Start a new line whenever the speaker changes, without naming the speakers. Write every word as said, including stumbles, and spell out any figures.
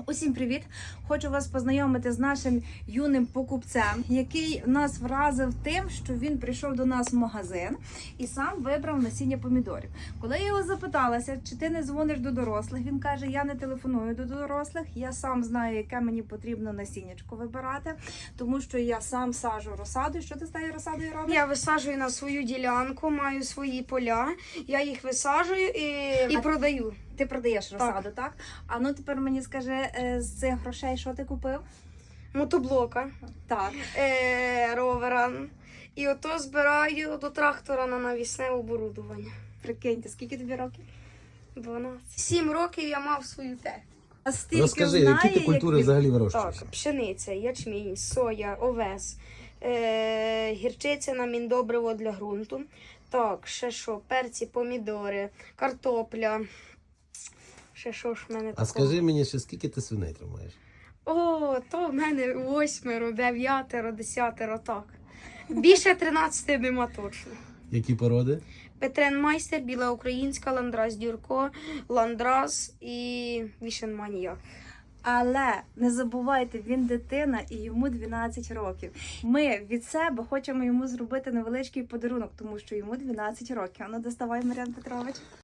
Усім привіт! Хочу вас познайомити з нашим юним покупцем, який нас вразив тим, що він прийшов до нас в магазин і сам вибрав насіння помідорів. Коли я його запиталася, чи ти не дзвониш до дорослих, він каже, я не телефоную до дорослих, я сам знаю, яке мені потрібно насіннячко вибирати, тому що я сам саджу розсаду. Що ти з тією розсадою робиш?
Я висаджую на свою ділянку, маю свої поля, я їх висаджую і, і
А
продаю.
Ти продаєш розсаду, так. так? А ну тепер мені скажи, е, з цих грошей що ти купив?
Мотоблока,
Так.
е, ровера. І ото збираю до трактора на навісне оборудування.
Прикиньте, скільки тобі років?
дванадцять. Сім років я мав свою техніку.
А стільки
Розкажи,
знає,
які ти культури
як він...
взагалі вирощуєш?
Так, пшениця, ячмінь, соя, овес, е, гірчиця на міндобриво для ґрунту. Так, ще що, перці, помідори, картопля. Ще що ж в мене
А
такого?
скажи мені, ще скільки ти свиней тримаєш?
О, то в мене восьмеро, дев'ятеро, десятеро, так. Більше тринадцяти нема точно.
Які породи?
Петренмайстер, біла українська, ландрас дюрко, ландрас і вішенманія.
Але не забувайте, він дитина і йому дванадцять років. Ми від себе хочемо йому зробити невеличкий подарунок, тому що йому дванадцять років. А ну доставай, Мар'ян Петрович.